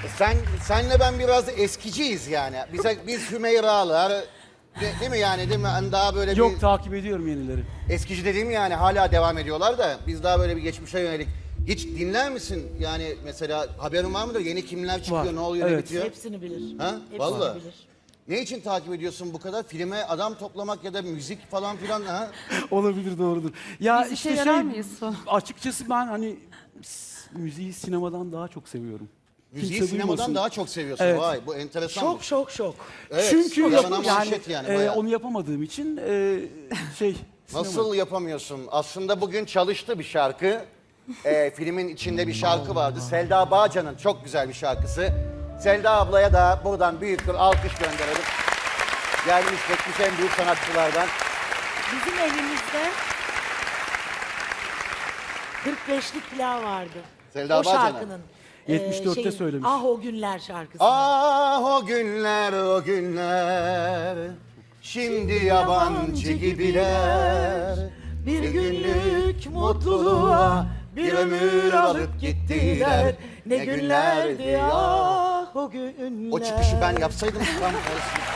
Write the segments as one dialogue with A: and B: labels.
A: Senle ben biraz eskiciyiz yani. Biz Hümeyra'lar, değil mi yani, değil mi? Hani daha böyle
B: Yok,
A: bir
B: takip ediyorum yenileri.
A: eskici dediğim yani hala devam ediyorlar da biz daha böyle bir geçmişe yönelik. Hiç dinler misin? Yani mesela haberin var mıdır? Yeni kimler çıkıyor,
B: Var,
A: ne oluyor, ne
B: evet.
A: bitiyor?
C: Hepsini bilir.
A: Ha?
C: Hepsini
A: Vallahi.
C: bilir.
A: Ne için takip ediyorsun bu kadar? Filme adam toplamak ya da müzik falan filan ha?
B: Olabilir, doğrudur. Ya
D: Biz işe yarar mıyız sonra?
B: açıkçası ben hani müziği sinemadan daha çok seviyorum.
A: Müziği
B: Kimse
A: sinemadan
B: duymasın.
A: daha çok seviyorsun.
B: Evet.
A: Vay, bu enteresan.
C: Şok.
A: Evet,
B: Çünkü
A: yalan manşet yani, bayağı.
B: onu yapamadığım için sinema.
A: Nasıl yapamıyorsun? Aslında bugün çalıştı bir şarkı. Filmin içinde bir şarkı vardı. Selda Bağcan'ın çok güzel bir şarkısı. Selda ablaya da buradan büyük bir alkış gönderelim. Gelmiş geçmiş en büyük sanatçılardan.
C: Bizim evimizde 45'lik pilav vardı.
A: Selda
C: o
A: Bağcan'ın.
C: şarkının.
B: 74'te söylemiş.
C: Ah o günler şarkısı.
A: Ah o günler o günler, şimdi yabancı gibiler.
C: Bir günlük mutluluğa bir ömür alıp gittiler. Ne günlerdi ah o günler.
A: O çıkışı ben yapsaydım tam olsun.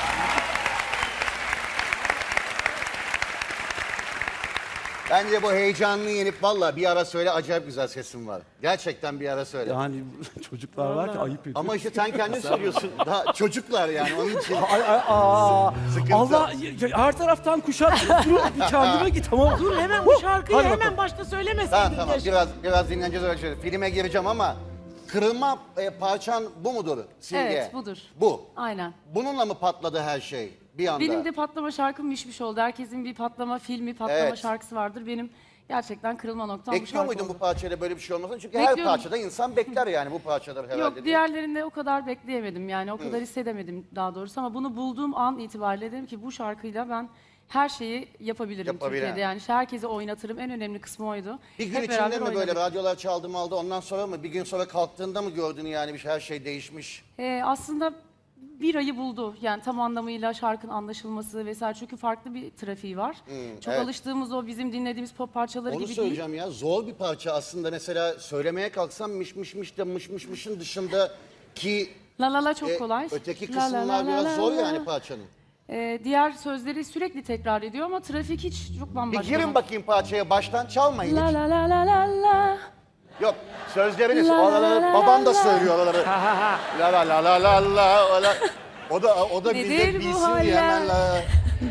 A: Bence bu heyecanını yenip valla bir ara söyle, acayip güzel sesin var. Gerçekten bir ara söyle.
B: Yani çocuklar var ki ayıp ediyor.
A: Ama işte sen kendin söylüyorsun. Daha çocuklar yani onun için. Sıkıntı.
B: Allah her taraftan kuşat. Dur bir kendime git tamam.
C: Dur hemen bu şarkıyı
B: Hadi
C: hemen
B: bakalım.
C: başta söylemeseydin.
A: Tamam
C: keşke.
A: biraz dinleneceğiz öyle şeyler. Filme gireceğim ama kırılma parçan bu mudur Simge?
D: Evet, budur.
A: Bu.
D: Aynen.
A: Bununla mı patladı her şey bir anda?
D: Benim de patlama şarkım Mişmiş oldu. Herkesin bir patlama filmi, patlama
A: Evet.
D: şarkısı vardır. Benim gerçekten kırılma noktam bu
A: Bekliyor
D: şarkı
A: muydun
D: oldu.
A: bu parçayla böyle bir şey olmasını? Çünkü her
D: Bekliyordum.
A: parçada insan bekler yani bu parçaları herhalde.
D: Yok,
A: değil mi?
D: diğerlerinde o kadar bekleyemedim yani. O kadar hissedemedim daha doğrusu. Ama bunu bulduğum an itibariyle dedim ki bu şarkıyla ben her şeyi yapabilirim
A: Yapabilen.
D: Türkiye'de. Yani herkese oynatırım. En önemli kısmı oydu.
A: Bir gün
D: Hep
A: içinde
D: beraber
A: mi böyle
D: oynadık.
A: radyolar çaldı mı aldı, ondan sonra mı? Bir gün sonra kalktığında mı gördün yani her şey değişmiş?
D: Aslında bir ayı buldu. Yani tam anlamıyla şarkının anlaşılması vesaire. Çünkü farklı bir trafiği var. Çok
A: evet.
D: alıştığımız o bizim dinlediğimiz pop parçaları
A: Onu
D: gibi değil.
A: söyleyeceğim ya, zor bir parça aslında. Mesela söylemeye kalksam miş de mışın dışında ki
D: La la la çok kolay.
A: öteki
D: La la
A: kısımlar
D: la
A: biraz
D: la
A: zor
D: la.
A: yani parçanın.
D: Diğer sözleri sürekli tekrar ediyor ama trafik hiç çok
A: Bir
D: bambaşka.
A: girin bakayım parçaya, baştan çalmayın
D: La
A: hiç.
D: la la la la la.
A: Yok, sözleriniz,
D: La la
A: oraları
D: la
A: babam da
D: la.
A: söylüyor oraları. La la la la la la. O da
D: Nedir
A: bize
D: bu
A: bilsin diye hemen la.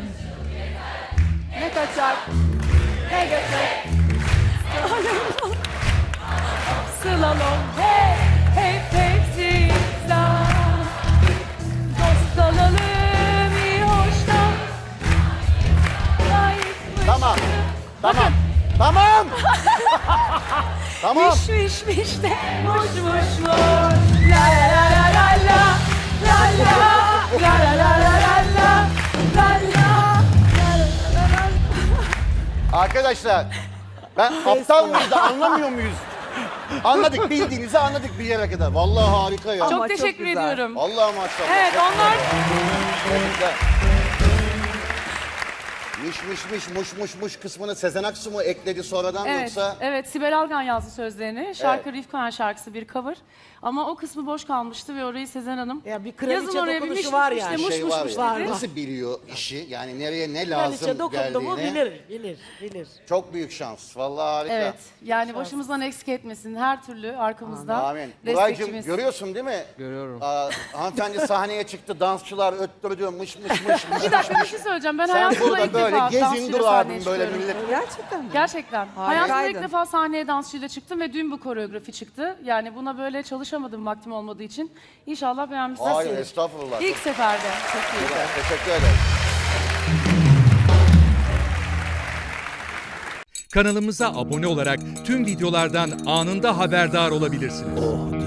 D: Ne kaçar? Ne götür? Slalom hey hey hey zizla. Dost olalım iyi hoştan.
A: Tamam. Tamam. Tamam.
D: Miş de muş. La la la la la la. La la la la la la la. La la.
A: Arkadaşlar, ben aptal mıyız da anlamıyor muyuz? Anladık, bildiğinizi anladık bir yere kadar. Vallahi harika ya.
D: Çok teşekkür ediyorum.
A: Vallahi maşallah.
D: Evet,
A: Çok
D: onlar
A: güzel. Miş kısmını Sezen Aksu mu ekledi sonradan yoksa?
D: Evet, Sibel Algan yazdı sözlerini. Şarkı Rifkan şarkısı bir cover. Ama o kısmı boş kalmıştı ve orayı Sezen Hanım
C: Ya bir kraliçe
D: yazın oraya bir
C: dokunuşu
D: miş
C: var
D: miş
C: yani.
D: de muş
A: Şey
D: muş
A: var
D: muş
A: ya,
D: dedi.
A: nasıl biliyor işi? Yani nereye ne lazım
C: Kraliçe dokundu mu
A: geldiğini.
C: bilir.
A: Çok büyük şans. Vallahi harika.
D: Evet, yani başımızdan eksik etmesin. Her türlü arkamızda
A: Amin. Buraycığım
D: destekçimiz.
A: görüyorsun değil mi?
E: Görüyorum.
A: Hanımefendi sahneye çıktı, dansçılar öttürdü, mış.
D: Bir dakika bir şey söyleyeceğim. Ben
A: Sen
D: hayatımda
A: burada
D: ilk
A: böyle
D: defa
A: gezin
D: dansçıyla
A: dur
D: sahneye
A: abim böyle
D: çıkıyorum.
A: millet.
F: Gerçekten mi?
D: Gerçekten. Hayatımda ilk
F: Harikaydın.
D: defa sahneye dansçıyla çıktım ve dün bu koreografi çıktı. Yani buna böyle çalışamadım vaktim olmadığı için. İnşallah beğenmişsiniz.
A: Hayır estağfurullah.
D: İlk seferde. Çok iyi.
A: Güzel, teşekkür ederim.
G: Kanalımıza abone olarak tüm videolardan anında haberdar olabilirsiniz.